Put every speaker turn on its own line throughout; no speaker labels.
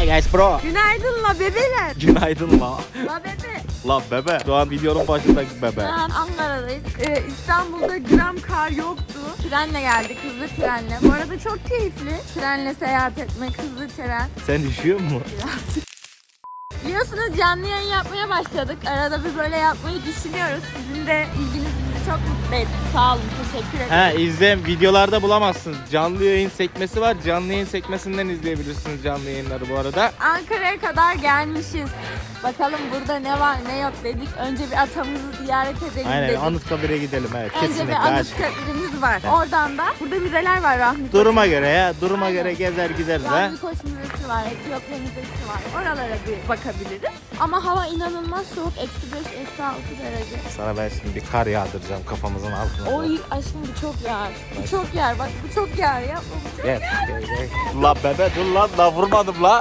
guys bro.
Günaydın la bebeler.
Günaydın la.
La bebe.
La bebe. Şu an videonun başındaki bebe.
Şu an Ankara'dayız. İstanbul'da gram kar yoktu. Trenle geldik, hızlı trenle. Bu arada çok keyifli. Trenle seyahat etmek, hızlı tren.
Sen düşüyor mu?
Biliyorsunuz canlı yayın yapmaya başladık. Arada bir böyle yapmayı düşünüyoruz. Sizin de ilginiz bizi çok mutlu etti. Sağ olun, teşekkür ederim.
İzleyin, videolarda bulamazsınız. Canlı yayın sekmesi var. Canlı yayın sekmesinden izleyebilirsiniz canlı yayınları bu arada.
Ankara'ya kadar gelmişiz. Bakalım burada ne var ne yok dedik. Önce bir atamızı ziyaret edelim
Aynen,
dedik.
Anıtkabir'e gidelim, evet.
Önce
Kesinlikle.
bir Anıtkabir'imiz var. Oradan da burada müzeler var Rahmi
Duruma göre ya, duruma
Aynen.
göre gezer gideriz ha.
Rahmi Koç Müzesi var, Etiyopya Müzesi var. Oralara bir bakabiliriz. Ama hava inanılmaz soğuk. -5, -6 derece.
Sana ben şimdi bir kar yağdıracağım kafamızın altına.
Oy aşkım bu çok yağar. Bu çok yağar. Bak bu çok yağar. Yapma bu çok
Gel, gel. La bebe dur lan, la vurmadım la.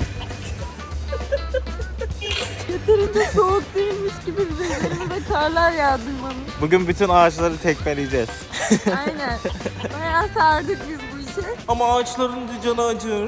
yeterince soğuk değilmiş gibi bize üzerimize karlar yağdırmamış.
Bugün bütün ağaçları tekmeleyeceğiz.
Aynen. Bayağı sardık biz bu işe.
Ama ağaçların da canı acır.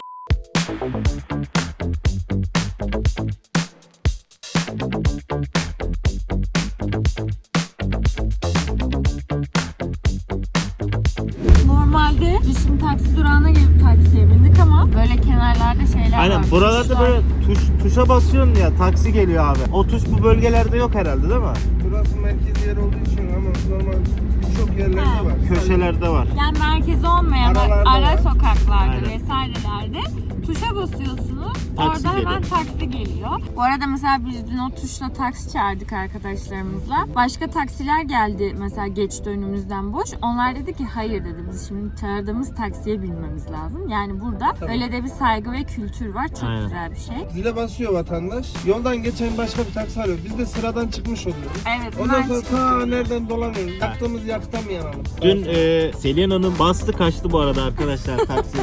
Normalde biz şimdi taksi durağına gelip taksiye bindik ama böyle kenarlarda şeyler var.
Aynen, buralarda
tuşlar.
böyle tuşa basıyorsun ya, taksi geliyor abi. O tuş bu bölgelerde yok herhalde değil mi?
Burası merkez yer olduğu için ama normal birçok yerlerde var.
Köşelerde var.
Yani merkezi olmayan
Aralarda
ara
var.
sokaklarda
Aynen.
vesairelerde tuşa basıyorsunuz.
Taksi
orada hemen
geliyor.
taksi geliyor. Bu arada mesela biz dün o tuşla taksi çağırdık arkadaşlarımızla. Başka taksiler geldi mesela geçti önümüzden boş. Onlar dedi ki hayır dedi, biz şimdi çağırdığımız taksiye binmemiz lazım. Yani burada öyle de bir saygı ve kültür var. Çok
Aynen.
güzel bir şey.
Zile basıyor vatandaş. Yoldan geçen başka bir taksi arıyor. Biz de sıradan çıkmış oluyoruz.
Evet.
Ondan
bunlar
sonra ta nereden dolanıyoruz. Yaktığımız yakta mı yanalım?
Dün Selena'nın bastı kaçtı bu arada arkadaşlar taksi.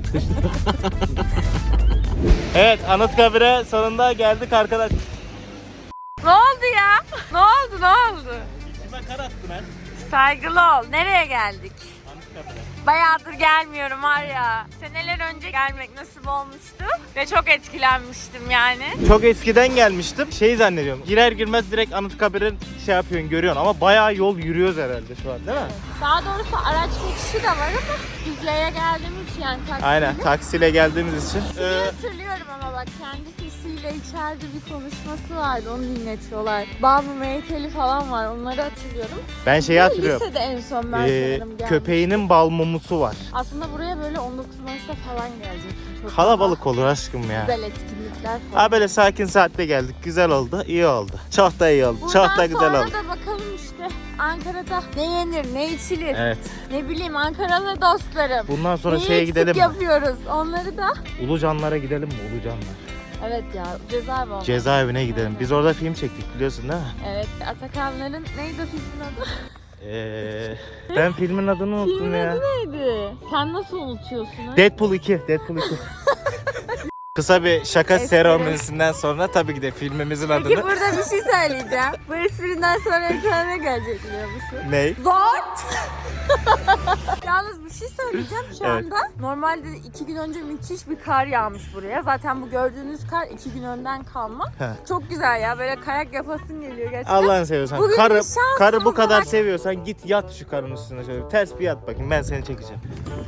Evet, Anıtkabir'e sonunda geldik arkadaşlar.
Ne oldu ya? Ne oldu? Ne oldu?
İçime kar attı ben.
Saygılı ol. Nereye geldik?
Anıtkabir'e.
Bayağıdır gelmiyorum var ya. Seneler önce gelmek nasip olmuştu ve çok etkilenmiştim yani.
Çok eskiden gelmiştim. Şey zannediyorum. Girer girmez direkt Anıtkabir'in şey yapıyorsun, görüyorsun ama bayağı yol yürüyoruz herhalde şu an değil mi?
Daha doğrusu araç geçişi de var ama düzleye geldiğimiz için yani taksiyle.
Aynen, taksiyle geldiğimiz için.
Hatırlıyorum ama bak kendi sesiyle içeride bir konuşması vardı, onu dinletiyorlar. Babam heykeli falan var, onları hatırlıyorum.
Ben şeyi hatırlıyorum.
Lisede en son ben sanırım geldim.
Köpeğinin bal mumusu var.
Aslında buraya böyle 19 Mayıs'ta falan geleceksin. Çok
Kalabalık olur aşkım ya.
güzel etkinlikler falan.
Ha, böyle sakin saatte geldik. Güzel oldu, iyi oldu. Çok da iyi oldu. Çok da güzel oldu.
Buradan sonra da bakalım işte Ankara'da ne yenir, ne içilir.
Evet.
Ne bileyim Ankaralı dostlarım.
Bundan sonra
Neyi
şeye
eksik
gidelim mi?
yapıyoruz onları da.
Ulucanlara gidelim mi? Ulucanlar.
Evet ya cezaevi oldu.
Cezaevine gidelim. Biz orada film çektik biliyorsun değil mi?
Evet Atakanların neydi o filmin adı?
Ben filmin adını unuttum
Filmin
ya.
adı neydi? Sen nasıl unutuyorsun? Ha?
Deadpool 2. Deadpool 2. Kısa bir şaka
Espri.
seremonisinden sonra tabii ki de filmimizin
Peki
adını...
burada bir şey söyleyeceğim. Bu esprinden sonra ekrana ne gelecek biliyor musun?
Ney?
Zort! Yalnız bir şey söyleyeceğim şu
Evet.
anda. Normalde 2 gün önce müthiş bir kar yağmış buraya. Zaten bu gördüğünüz kar 2 gün önden kalma.
He.
Çok güzel ya, böyle kayak yapasın geliyor gerçekten.
Allah'ını seviyorsan.
Bugün bir şansımız
Karı bu kadar
var.
seviyorsan git yat şu karın üstüne şöyle. Ters bir yat bakayım, ben seni çekeceğim.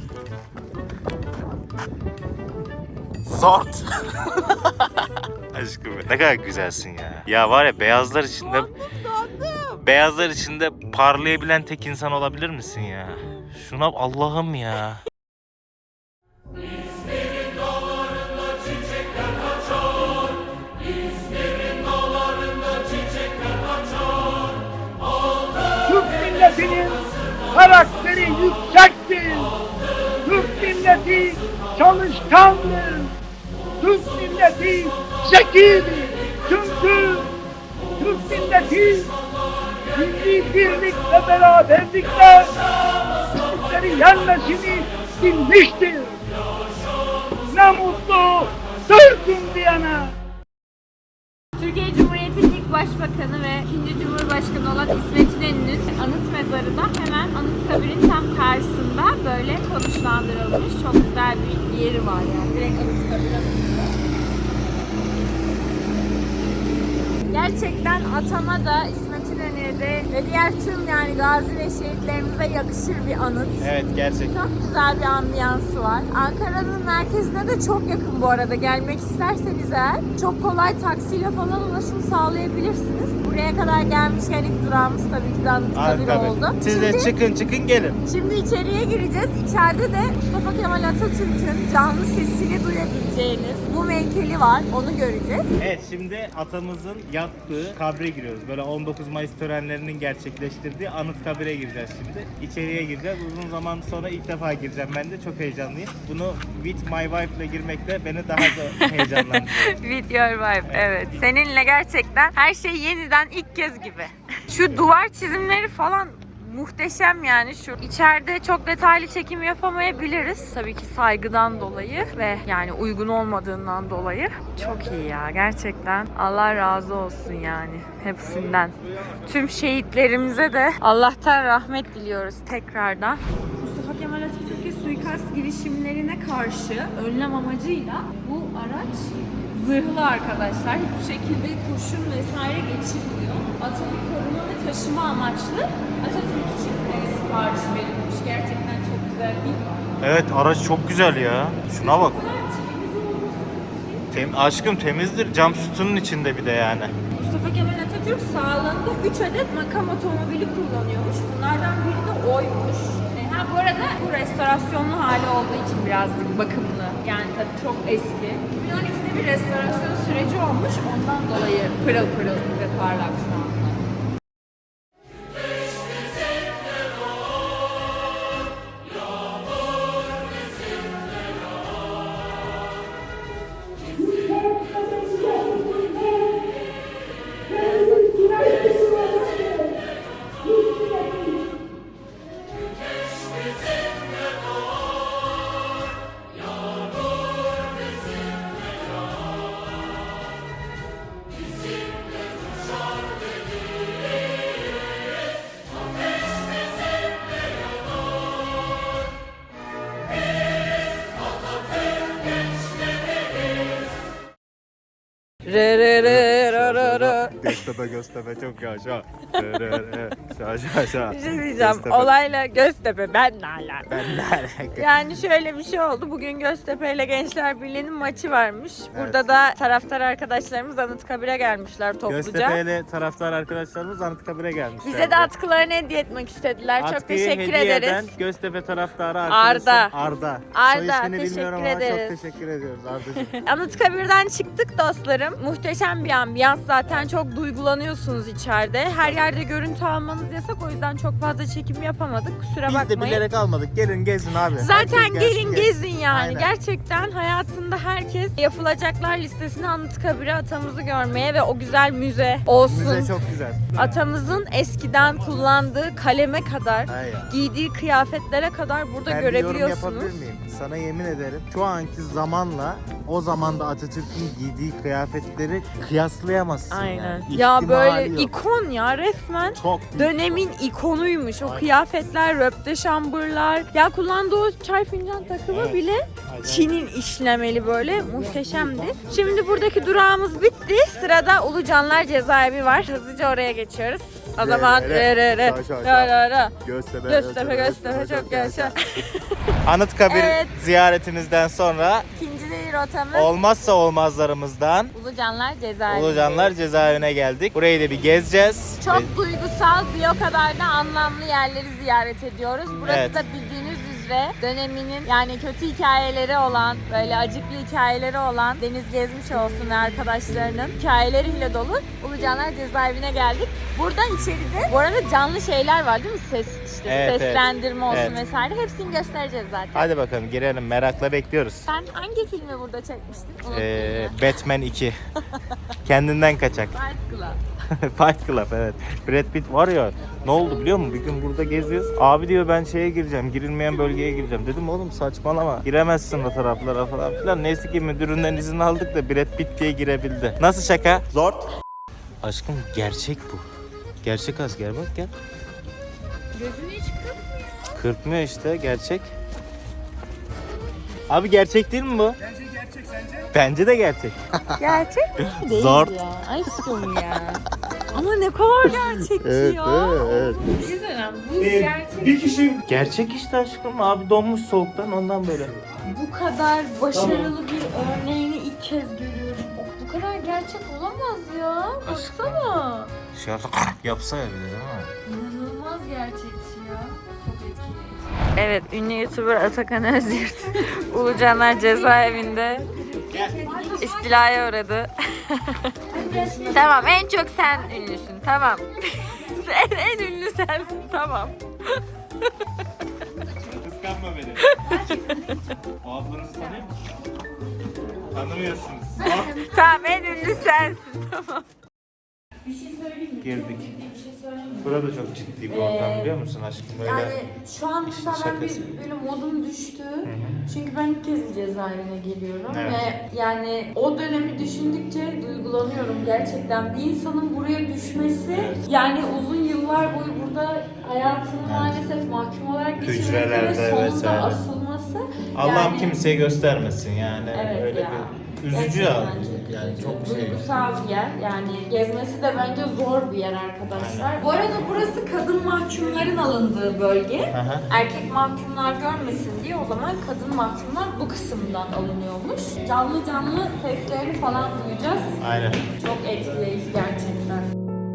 Zort. Aşkım ne kadar güzelsin ya. Ya var ya, beyazlar içinde parlayabilen tek insan olabilir misin ya? Şuna Allah'ım ya.
Türk milletinin karakteri yüksektir. Türk milleti çalışkandır. Türk milleti zekidir. Çünkü Türk milleti milli birlik ve beraberlikle Türkleri yenmesini bilmiştir. Ne mutlu Türk'üm diyene.
Türkiye Cumhuriyeti'nin ilk başbakanı ve ikinci cumhurbaşkanı olan İsmet İnönü'nün anıt mezarı da hemen Anıtkabir'in tam karşısında böyle konuşlandırılmış. Çok güzel bir yeri var yani. Direkt Anıtkabir anıtında. Gerçekten atama da İsmet İnönü'ye de ve diğer tüm yani gazi ve şehitlerimize yakışır bir anıt.
Evet, gerçekten.
Çok güzel bir ambiyansı var. Ankara'nın merkezine de çok yakın bu arada. Gelmek isterseniz eğer çok kolay taksiyle falan ulaşım sağlayabilirsiniz. Buraya kadar gelmişken ilk durağımız tabii ki de Anıtkabir oldu.
Siz de çıkın gelin.
Şimdi içeriye gireceğiz. İçeride de Mustafa Kemal Atatürk'ün canlı sesini duyabileceğiniz bu heykeli var. Onu göreceğiz.
Evet, şimdi atamızın yattığı kabre giriyoruz. Böyle 19 Mayıs törenlerinin gerçekleştirdiği Anıtkabir'e gireceğiz şimdi. İçeriye gireceğiz. Uzun zaman sonra ilk defa gireceğim ben de. Çok heyecanlıyım. Bunu with my wife ile girmekle beni daha da heyecanlandırıyor.
With your wife, evet. Seninle gerçekten her şey yeniden ilk kez gibi. Şu duvar çizimleri falan muhteşem yani. Şu içeride çok detaylı çekim yapamayabiliriz. Tabii ki saygıdan dolayı ve yani uygun olmadığından dolayı. Çok iyi ya gerçekten. Allah razı olsun yani hepsinden. Tüm şehitlerimize de Allah'tan rahmet diliyoruz tekrardan. Mustafa Kemal Atatürk'e suikast girişimlerine karşı önlem amacıyla bu araç zırhlı arkadaşlar. Hiçbir şekilde kurşun vesaire geçirmiyor. Atölye koruma ve taşıma amaçlı Atatürk için sipariş verilmiş. Gerçekten çok güzel değil mi?
Evet, araç çok güzel ya. Şuna bak.
Bu kadar temiz olması için
Aşkım temizdir. Cam sütunun içinde bir de yani.
Mustafa Kemal Atatürk sağlığında 3 adet makam otomobili kullanıyormuş. Bunlardan biri de oymuş. Ha bu arada bu restorasyonlu hali olduğu için birazcık bakımlı. Yani tabii çok eski. 2012'de bir restorasyon süreci olmuş. Ondan dolayı pırıl pırıl ve parlak şu anda.
Göztepe çok yaşa. Şa.
Bir şey diyeceğim. Olayla Göztepe ben ne alaka?
Ben ne alaka?
Yani şöyle bir şey oldu. Bugün Göztepe ile Gençler Birliği'nin maçı varmış. Burada da taraftar arkadaşlarımız Anıtkabir'e gelmişler topluca.
Göztepe'yle taraftar arkadaşlarımız Anıtkabir'e gelmişler.
Bize de atkılarını hediye etmek istediler. Çok
Atkıyı
teşekkür
hediye
ederiz.
eden Göztepe taraftarı arkadaşım Arda. Soy ismini
teşekkür
bilmiyorum ama
ederiz.
çok teşekkür ediyoruz Arda'cığım.
Anıtkabir'den çıktık dostlarım. Muhteşem bir ambiyans. Zaten çok duygulanıyorsunuz içeride. Her yerde görüntü almanız yasak. O yüzden çok fazla çekim yapamadık. Kusura
Biz de
bakmayın.
bilerek almadık. Gelin gezin abi.
Zaten
Herkes gelsin,
gelin gezin yani.
Aynen.
Gerçekten hayatında herkes yapılacaklar listesine Anıtkabir'e atamızı görmeye ve o güzel müze olsun.
Müze çok güzel.
Atamızın eskiden kullandığı kaleme kadar,
Aynen.
giydiği kıyafetlere kadar burada
Ben bir yorum
görebiliyorsunuz.
yapabilir miyim? Sana yemin ederim şu anki zamanla o zamanda Atatürk'ün giydiği kıyafetleri kıyaslayamazsın.
Aynen.
Yani.
Ya
İhtimali
böyle
yok.
ikon ya resmen.
Çok büyük
Dönemin ikonuymuş. O
Aynen.
kıyafetler, röpte şambırlar. Ya kullandığı o çay fincan takımı
Evet.
bile
Aynen.
Çin'in işlemeli böyle muhteşemdi. Şimdi buradaki durağımız bitti. Sırada Ulucanlar Cezaevi var. Hızlıca oraya geçiyoruz. O zaman Göztepe çok yaşa.
Anıtkabir
Evet.
ziyaretimizden sonra
İkinci rotamız
olmazsa olmazlarımızdan
Ulucanlar Cezaevi.
Ulucanlar Cezaevine geldik. Burayı da bir gezeceğiz.
Çok duygusal, bir o kadar da anlamlı yerleri ziyaret ediyoruz. Burası
Evet.
da bildiğiniz üzere döneminin yani kötü hikayeleri olan, böyle acıklı hikayeleri olan Deniz Gezmiş olsun ve arkadaşlarının hikayeleriyle dolu Ulucanlar Cezaevine geldik. Burada içeride bu arada canlı şeyler var değil mi? Ses işte
Evet,
seslendirme olsun
evet.
vesaire. Hepsini göstereceğiz zaten.
Hadi bakalım girelim, merakla bekliyoruz.
Sen hangi filmi burada çekmiştin? Unuttun ya.
Batman 2. Kendinden kaçak.
Fight Club.
Fight Club, evet. Brad Pitt var ya, ne oldu biliyor musun? Bir gün burada geziyoruz. Abi diyor ben şeye gireceğim, girilmeyen bölgeye gireceğim. Dedim oğlum saçmalama. Giremezsin o taraflara falan filan. Neyse ki müdüründen izin aldık da Brad Pitt diye girebildi. Nasıl şaka? Zor. Aşkım gerçek bu. Gerçek asker bak gel.
Gözünü hiç kırpmıyor.
Kırpmıyor işte, gerçek. Abi gerçek değil mi bu?
Bence gerçek.
Bence de gerçek.
Gerçek mi? Değil
Zor.
ya. Aşkım ya. Ama ne kadar gerçekçi ya. Bir şey söyleyeyim, bu gerçek.
Bir kişi
Gerçek işte aşkım. Abi donmuş soğuktan ondan böyle.
Bu kadar başarılı bir örneğini ilk kez görüyorum. Bu kadar gerçek olamaz ya. Baksana.
Dışarıda yapsa ya bir de değil mi?
İnanılmaz gerçekçi ya. Çok etkileyici. Evet, ünlü YouTuber Atakan Özyurt Ulucanlar cezaevinde istilaya uğradı. Tamam, en çok sen ünlüsün. Tamam. en ünlü sensin. Tamam.
Kıskanma beni. O ablanızı tanıyor musun? Tanımıyorsunuz.
Tamam, en ünlü sensin. Tamam.
Girdik. Burada çok ciddi bir ortam biliyor musun aşkım? Böyle
Yani şu an mesela ben
şakası.
böyle modum düştü. Çünkü ben ilk kez cezaevine geliyorum
Evet.
ve yani o dönemi düşündükçe duygulanıyorum gerçekten. Bir insanın buraya düşmesi, yani uzun yıllar boyu burada hayatını maalesef mahkum olarak geçirmesi
Hücrelerde
ve sonunda
vesaire.
asılması.
Allah'ım
yani,
kimseye göstermesin yani.
Evet
Öyle
ya.
bir üzücü
Gerçekten
ya.
çok
Yani
üzücü.
çok şey.
Duygusal bir yer. Yani gezmesi de bence zor bir yer arkadaşlar. Bu arada burası kadın mahkumların alındığı bölge.
Aha.
Erkek mahkumlar görmesin diye o zaman kadın mahkumlar bu kısımdan alınıyormuş. Canlı canlı seslerini falan duyacağız.
Aynen.
Çok etkileyici gerçekten.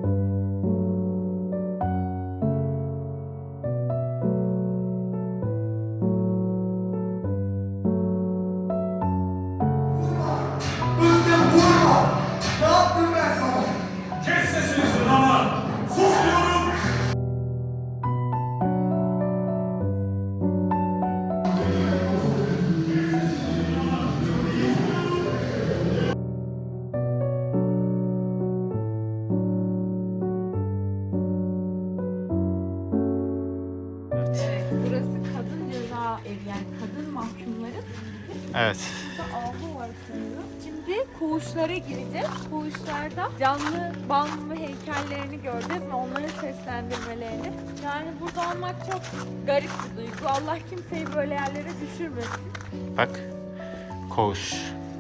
Evet, burası kadın ceza evi, yani kadın mahkumların
Evet.
burada avlu var sanırım. Şimdi koğuşlara gireceğiz. Koğuşlarda canlı bal ve heykellerini göreceğiz ve onların seslendirmelerini. Yani burada olmak çok garip bir duygu. Allah kimseyi böyle yerlere düşürmesin.
Bak. Koğuş.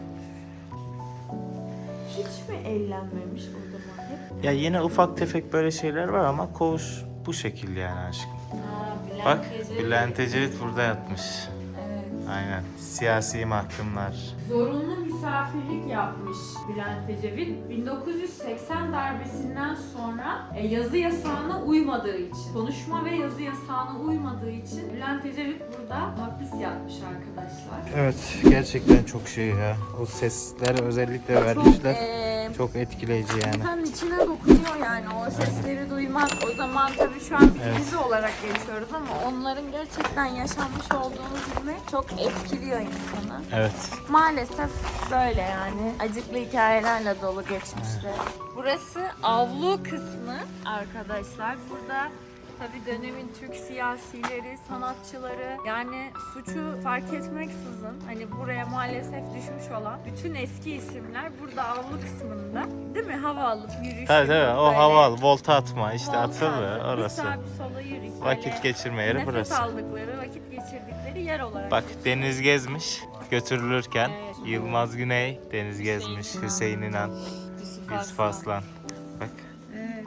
Hiç mi eğlenmemiş o zaman? Hep
Ya yine ufak tefek böyle şeyler var ama koğuş bu şekil yani aşkım.
Bülent
Bak
Ecevit.
Bülent Ecevit burada yatmış.
Evet.
Aynen. Siyasi mahkumlar.
Zorunlu misafirlik yapmış Bülent Ecevit. 1980 darbesinden sonra yazı yasağına uymadığı için, konuşma ve yazı yasağına uymadığı için Bülent Ecevit burada hapis yatmış arkadaşlar.
Evet gerçekten çok şey ya. O sesler özellikle vermişler. Çok etkileyici yani.
İnsanın içine dokunuyor yani o sesleri duymak. O zaman tabii şu an biz dizi olarak geçiyoruz ama onların gerçekten yaşanmış olduğunu bilmek çok etkiliyor insanı.
Evet.
Maalesef böyle yani. Acıklı hikayelerle dolu geçmişte. Burası avlu kısmı arkadaşlar. Burada tabii dönemin Türk siyasileri, sanatçıları, yani suçu fark etmeksizin hani buraya maalesef düşmüş olan bütün eski isimler burada avlu kısmında, değil mi? Hava alıp yürüyüş.
Tabii
yapıp
tabii o
böyle
hava al, volta atma işte
volta
atılır
atıp
orası.
Bir sağa bir sola yürüyüp
Vakit
böyle
geçirme yeri
nefes
burası.
aldıkları, vakit geçirdikleri yer olarak.
Bak Deniz Gezmiş götürülürken
Evet.
Yılmaz Güney, Deniz Gezmiş,
İnan.
Hüseyin İnan, Yusuf Aslan. Bak.
Evet.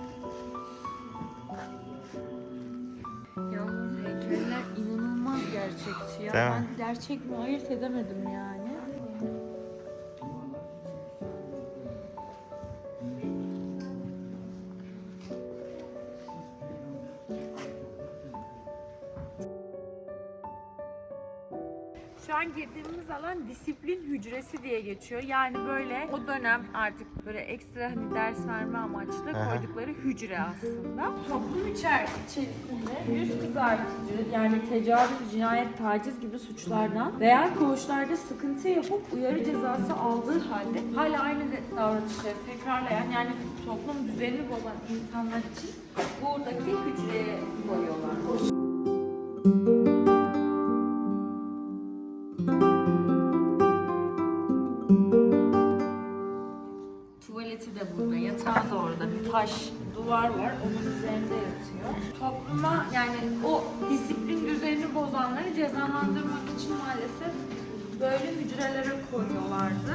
Yalnız heykeller inanılmaz gerçekçi ya.
Değil mi?
Ben gerçek mi ayırt edemedim yani. Şu an girdiğimiz alan disiplin hücresi diye geçiyor. Yani böyle o dönem artık böyle ekstra hani ders verme amaçlı
Aha.
koydukları hücre aslında. Toplum içerisinde yüz kızartıcı yani tecavüz, cinayet, taciz gibi suçlardan veya koğuşlarda sıkıntı yapıp uyarı cezası aldığı halde hala aynı davranışları tekrarlayan, yani toplum düzenini bozan insanlar için buradaki hücreye koyuyorlar. Tuvaleti de burada, yatağı da orada, bir taş duvar var, onun üzerinde yatıyor. Topluma yani o disiplin düzenini bozanları cezalandırmak için maalesef böyle hücrelere koyuyorlardı.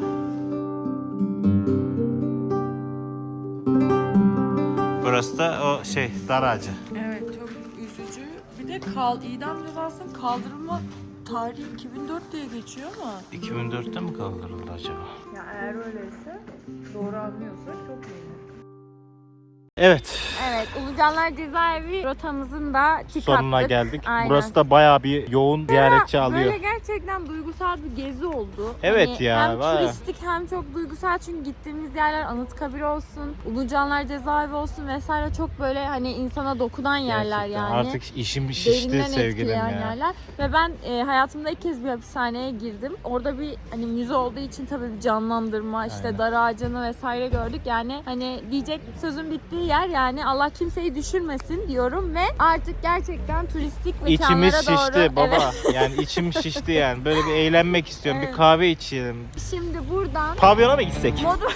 Burası da o dar ağacı.
Evet, çok üzücü. Bir de idam cezasının kaldırılma tarihi 2004 diye geçiyor ama.
2004'te mi kaldırıldı acaba?
Ya eğer öyleyse, doğru anlıyorsak çok iyi.
Evet.
Evet, Ulucanlar Cezaevi rotamızın da
Sonuna geldik.
Aynen.
Burası da bayağı bir yoğun ziyaretçi alıyor.
Böyle gerçekten duygusal bir gezi oldu.
Evet
Hani
ya,
hem
bayağı.
turistik hem çok duygusal çünkü gittiğimiz yerler Anıtkabir olsun, Ulucanlar Cezaevi olsun vesaire çok böyle hani insana dokunan yerler
Gerçekten.
yani.
Artık işim şişti
Derinden
sevgilim
etkileyen
ya.
yerler. Ve ben hayatımda ilk kez bir hapishaneye girdim. Orada bir hani müze olduğu için tabii bir canlandırma, işte
Aynen.
dar ağacını vesaire gördük. Yani hani diyecek sözün bittiği yer yani Allah kimseyi düşürmesin diyorum ve artık gerçekten turistik mekanlara
İçimiz şişti
doğru.
baba.
Evet.
Yani içim şişti yani. Böyle bir eğlenmek istiyorum.
Evet.
Bir kahve içelim.
Şimdi buradan
Pavyona mı gitsek?
modu...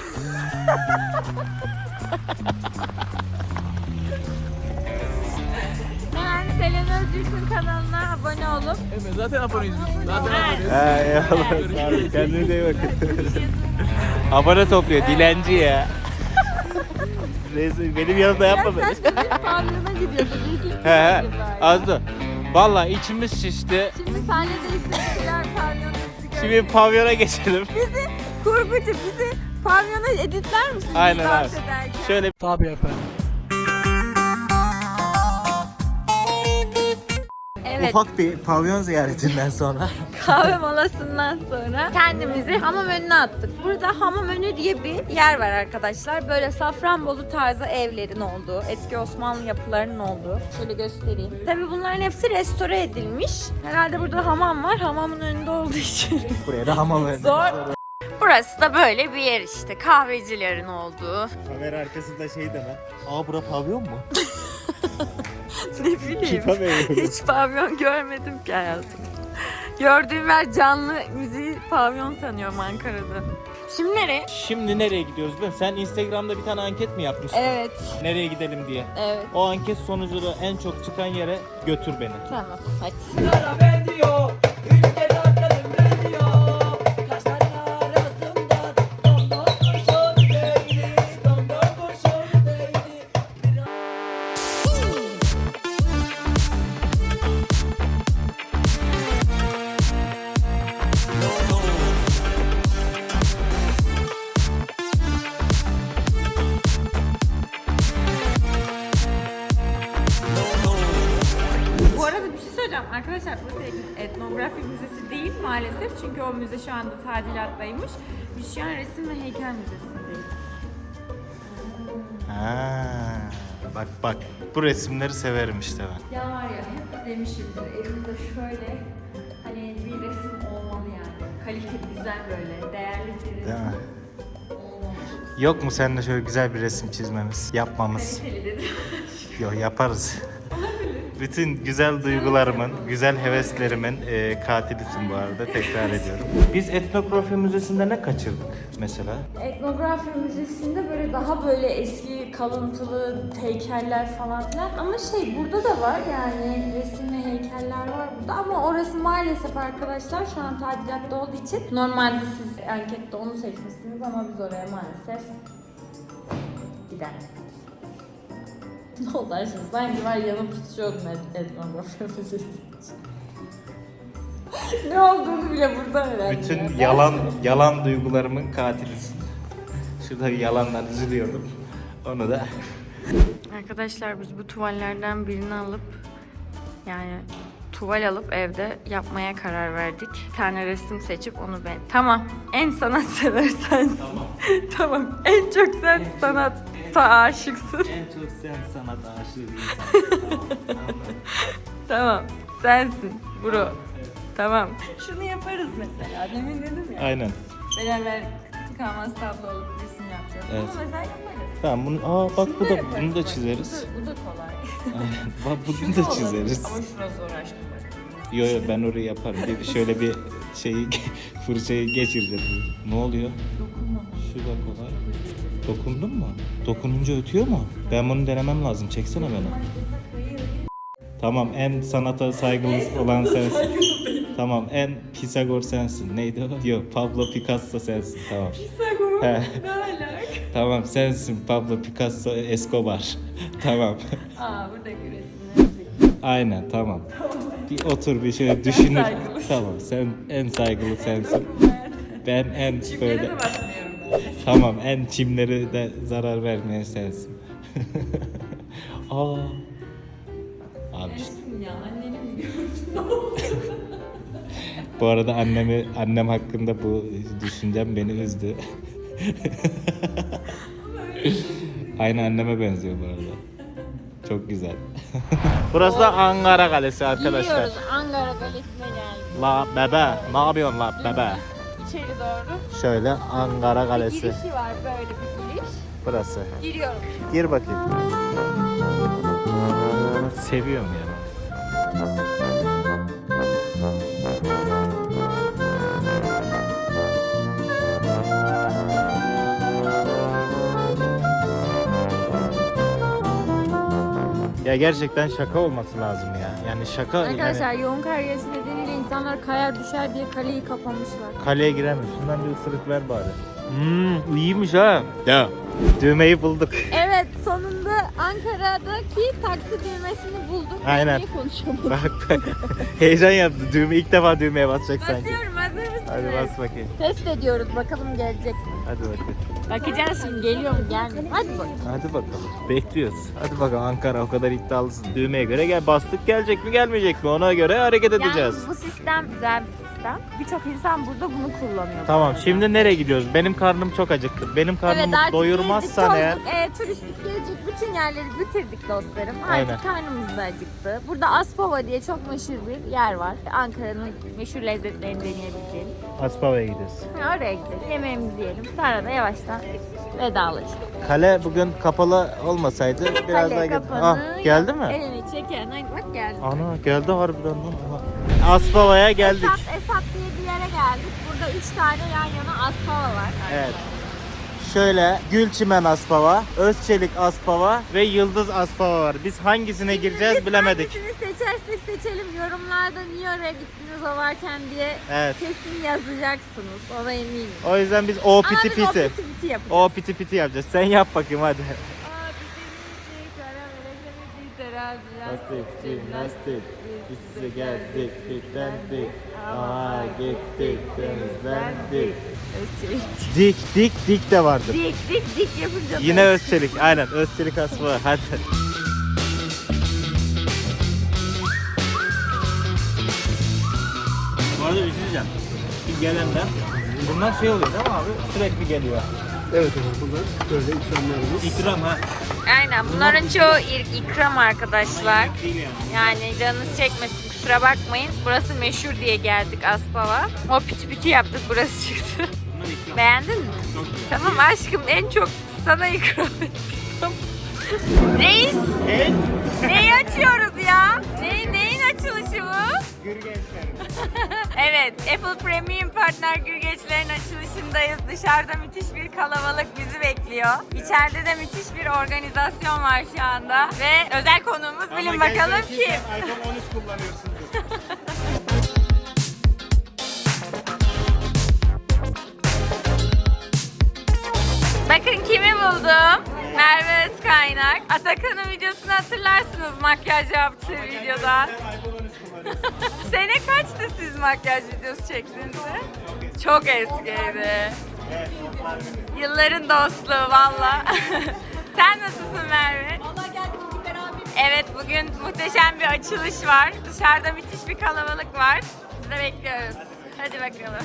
Hemen Selen Özgür'ün kanalına abone olup
Evet, zaten aboneyiz biz. Zaten
Evet.
Eyvallah. Sağ olun. Kendinize iyi bakın. Abone topluyor. Dilenci ya. Neyse, benim yanımda yapma beni.
pavyona gidiyordu.
He. Azdı. Vallahi içimiz şişti.
Şimdi sahnedeyiz. Sevgiler pavyonu.
Şimdi pavyona geçelim.
Kurgucu bizi pavyona editler misin?
Aynen
Biz
abi.
dans ederken?
Şöyle
Tabii efendim.
Evet,
ufak bir pavyon ziyaretinden sonra
kahve molasından sonra kendimizi hamam önüne attık. Burada hamam önü diye bir yer var arkadaşlar. Böyle Safranbolu tarzı evlerin olduğu, eski Osmanlı yapılarının olduğu. Şöyle göstereyim. Tabii bunların hepsi restore edilmiş. Herhalde burada hamam var. Hamamın önünde olduğu için.
buraya da hamam verdim.
Zor. Burası da böyle bir yer işte. Kahvecilerin olduğu.
Kamera arkasında şey deme. Aa bura pavyon mu?
Ne bileyim.
Tabii.
Hiç pavyon görmedim ki hayatımda. Gördüğüm yer canlı müziği pavyon sanıyorum Ankara'da. Şimdi nereye?
Şimdi nereye gidiyoruz biliyor musun? Sen Instagram'da bir tane anket mi yapmıştın?
Evet.
Nereye gidelim diye.
Evet.
O anket sonucunda en çok çıkan yere götür beni.
Tamam. Hadi.
Ben diyor, üç kez atladım ben diyor. Kaşların arasından domdom kurşun değdi, domdom kurşun değdi.
Bu arada bir şey söyleyeceğim. Arkadaşlar burası etnografi müzesi değil maalesef. Çünkü o müze şu anda tadilattaymış. Biz şu an resim ve heykel müzesindeyiz.
Ha, bak bu resimleri severim işte ben.
Ya var ya hep demişimdir. Elimde şöyle hani bir resim olmalı yani. Kaliteli, güzel böyle, değerli bir resim
Değil mi?
olmalı.
Yok mu seninle şöyle güzel bir resim çizmemiz, yapmamız?
Kaliteli dedim.
Yok yaparız. Bütün güzel duygularımın, güzel heveslerimin katilisin bu arada tekrar ediyorum. Biz etnografi müzesinde ne kaçırdık mesela?
Etnografi Müzesi'nde böyle daha böyle eski kalıntılı heykeller falan filan ama burada da var yani resim ve heykeller var burada ama orası maalesef arkadaşlar şu an tadilatta olduğu için normalde siz ankette onu seçmişsiniz ama biz oraya maalesef gidemedik. Ne oldu şimdi? Sanki var yanıp tutuşuyordum etnografi müzesi için. Ne olduğunu bile burada öğrendim.
Bütün
ya.
yalan duygularımın katilisin. Şurada bir yalandan üzülüyordum. Onu da.
Arkadaşlar biz bu tuvallerden birini alıp yani tuval alıp evde yapmaya karar verdik. Bir tane resim seçip onu Tamam. En sanatsever sensin.
Tamam.
Tamam. En çok sen sanata aşıksın.
En çok sen sanat aşığı bir insan.
Tamam. Sensin bro. Tamam. Şunu yaparız mesela. Demin dedim ya.
Aynen.
Beraber tıkanmaz tablolu bir resim yapacağız.
Evet.
Bunu mesela yaparız.
Tamam bak
Şunu
bu da
yaparız.
bunu da
Bak,
çizeriz.
Bu da kolay.
Aynen. Bak bunu
Şu
da
olur.
çizeriz.
Ama şurası zor aşkım.
Yo ben orayı yaparım. Bir şöyle bir şeyi fırçayı geçireceğim. Ne oluyor?
Dokunma.
Şu da kolay. Dokundun mu? Dokununca ötüyor mu? Ben bunu denemem lazım. Çeksene beni. Tamam en sanata saygılı olan sensin. Tamam, en Pisagor sensin. Neydi o? Yok, Pablo Picasso sensin. Tamam.
Pisagor.
He.
Ne alaka?
Tamam, sensin Pablo Picasso Escobar. Tamam.
Buradaki resimler.
Aynen, tamam. Bir otur, bir şöyle düşünür. Tamam, sen en saygılı sensin. Ben en böyle...
de basmıyorum ben.
Tamam, en çimleri de zarar vermeyen sensin. Aa. Abi işte.
Ya anneni mi gördün?
Bu arada annem hakkında bu düşüncem beni üzdü. Aynı anneme benziyor bu arada. Çok güzel. Burası da Ankara Kalesi arkadaşlar.
Gidiyoruz. Ankara Kalesi'ne geldik.
La bebe, ne yapıyorsun la bebe?
İçeri doğru.
Şöyle Ankara Kalesi.
Girişi var, böyle bir giriş.
Burası.
Giriyorum.
Gir bakayım. Seviyorum ya. Ya gerçekten şaka olması lazım ya. Yani şaka
Arkadaşlar
yani
yoğun kar yağışı nedeniyle insanlar kayar düşer diye kaleyi kapamışlar.
kaleye giremiyor. Şundan bir ısırık ver bari. İyiymiş ha. Ya. Düğmeyi bulduk.
Evet, sonunda Ankara'daki taksi düğmesini bulduk.
Aynen.
Niye konuşamadım?
Bak. Heyecan yaptı. İlk defa düğmeye basacak sanki.
Basıyorum, hazır mısınız?
Hadi bas bakayım.
Test ediyoruz, bakalım gelecek mi?
Hadi bakayım.
Bakacağız şimdi, geliyor mu gelmiyor mu? Hadi bakalım.
Hadi bakalım. Bekliyoruz. Hadi bakalım, Ankara o kadar iddialısın. Düğmeye göre gel, bastık, gelecek mi gelmeyecek mi, ona göre hareket edeceğiz.
Yalnız bu sistem güzel bir sistem. Birçok insan burada bunu kullanıyor.
Tamam, şimdi nereye gidiyoruz? Benim karnım çok acıktı. Benim karnımı
artık
doyurmazsan
gezdik,
eğer...
tozduk. Turistik gezecek bütün yerleri bitirdik dostlarım.
Aynen.
Artık karnımız da acıktı. Burada Aspava diye çok meşhur bir yer var. Ankara'nın meşhur lezzetlerini deneyebileceğiniz.
Aspava'ya gidiyoruz.
Oraya gidelim, yemeğimizi yiyelim. Sonra da yavaştan vedalaşalım.
Kale bugün kapalı olmasaydı biraz
Kale
daha
kapanı.
Ah, geldi mi?
Elini çeken. Ay bak geldi.
Ana geldi harbiden lan. Aha. Aspava'ya geldik.
Esat diye bir yere geldik. Burada 3 tane yan yana Aspava var.
Evet. Şöyle Gülçimen Aspava, Özçelik Aspava ve Yıldız Aspava var. Biz hangisine gireceğiz
Biz
bilemedik.
hangisini seçersek seçelim. Yorumlarda niye oraya gittiniz o varken diye
Evet.
kesin yazacaksınız. Ona eminim.
O yüzden biz o
Ama
piti
biz o
piti.
piti piti yapacağız.
O piti piti yapacağız. Sen yap bakayım hadi. Lastik, jimnastik, biz size geldik, diklendik, aha gittik, temizlendik.
Özçelik.
Dik de vardır.
Dik yapınca da-
Yine Özçelik, aynen Özçelik Aspava, hadi. Bu arada bir şey diyeceğim. Bir gelenler, bunlar şey oluyor değil mi abi? Sürekli geliyor.
Evet efendim, bunlar böyle ikramlarımız.
İkram ha.
Aynen, bunların çoğu ikram arkadaşlar.
Değil yani.
Yani canınız çekmesin, kusura bakmayın. Burası meşhur diye geldik Aspava. O piti piti yaptık, burası çıktı.
Bunlar ikram.
Beğendin mi?
Çok güzel.
Tamam aşkım, en çok sana ikram ettim. Reis,
Evet.
neyi açıyoruz ya? Neyin açılışı bu?
Gürgençlerim.
Evet, Apple Premium Partner Gürgeçlerin açılışındayız. Dışarıda müthiş bir kalabalık bizi bekliyor. İçeride de müthiş bir organizasyon var şu anda. Ve özel konuğumuz bilin bakalım kim?
iPhone 13 kullanıyorsundur.
Bakın kimi buldum. Merve Özkaynak. Atakan'ın videosunu hatırlarsınız, makyaj yaptığı videodan.
iPhone 13 kullanıyorsun.
Sene kaçtı siz makyaj videosu çektiğinizde? Çok eskiydi. Yılların dostluğu valla. Sen nasılsın Merve?
Valla geldik bugün beraber.
Evet, bugün muhteşem bir açılış var. Dışarıda müthiş bir kalabalık var. Biz de bekliyoruz. Hadi bakalım.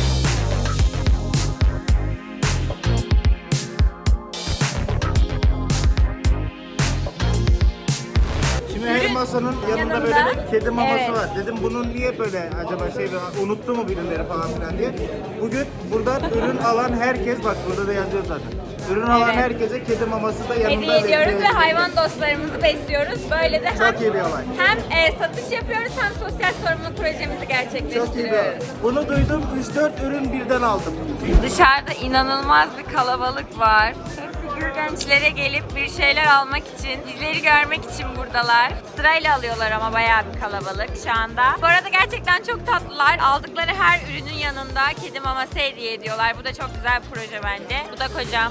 Şimdi her masanın yanında
yanında.
böyle bir kedi maması
Evet.
var. Dedim bunun niye böyle acaba şey unuttu mu birileri falan filan diye. Bugün buradan ürün alan herkes, bak burada da yazıyor zaten. Ürün alan
Evet.
herkese kedi maması da yanında
Hediye ediyoruz ve
veriyoruz.
hayvan dostlarımızı besliyoruz. Böyle de
Çok iyi bir olay.
hem satış yapıyoruz hem sosyal sorumluluk projemizi
Çok iyi bir olay.
gerçekleştiriyoruz.
Bunu duydum, 3-4 ürün birden aldım.
Dışarıda inanılmaz bir kalabalık var. Hepsi figür gençlere gelip bir şeyler almak için, bizleri görmek için buradalar. Sırayla alıyorlar ama bayağı bir kalabalık şu anda. Bu arada gerçekten çok tatlılar. Aldıkları her ürünün yanında kedi maması hediye ediyorlar. Bu da çok güzel bir proje bence. Bu da kocam.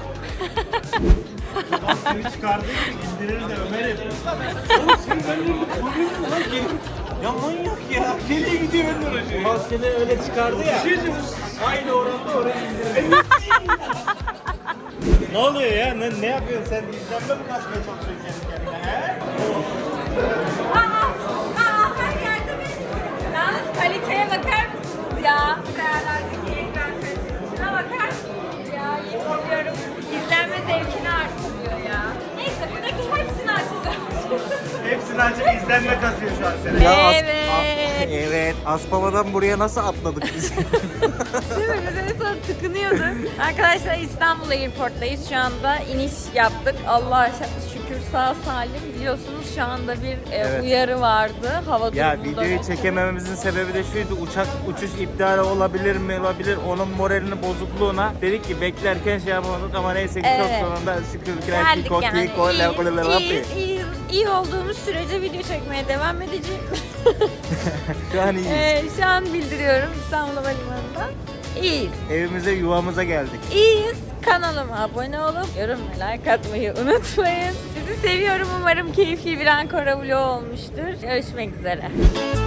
Seni çıkardığı gibi indirir de Ömer'im. Oğlum sen benimle lan gelin. Ya manyak ya. Nereye gidiyor Ömer Hoca? Bak seni öyle çıkardı ya. Aynı oranda oraya indirir. Ne oluyor ya? Ne yapıyorsun sen? İzlenme mi kasmaya çalışıyorsun kendi kendine? He?
Her yerde bir... Yalnız kaliteye bakar mısınız ya? Değerlerdeki ekran kalitesine bakar mısınız ya? Yemin ediyorum izlenme zevkini artırıyor ya. Neyse buradaki hepsini açacağım.
Hepsini açıp izlenme kasıyor şu an seni.
Evet.
Evet. Aspava'dan buraya nasıl atladık biz?
Değil mi? Biz en son tıkınıyorduk. Arkadaşlar İstanbul Airport'tayız. Şu anda iniş yaptık. Allah'a şükür sağ salim. Biliyorsunuz şu anda bir
Evet.
uyarı vardı. Hava
Ya
durumunda.
videoyu çekemememizin sebebi de şuydu. Uçuş iptali olabilir mi? Olabilir. Onun moralini bozukluğuna dedik ki beklerken şey yapamadık ama neyse ki
Evet.
çok sonunda şükür
Geldik yani. İyiyiz. İyi olduğumuz sürece video çekmeye devam edeceğim.
Şu an iyiyiz.
Şu an bildiriyorum İstanbul Havalimanı'nda. İyiyiz.
Evimize, yuvamıza geldik.
İyiyiz. Kanalıma abone olup yorum ve like atmayı unutmayın. Sizi seviyorum. Umarım keyifli bir Ankara vlogu olmuştur. Görüşmek üzere.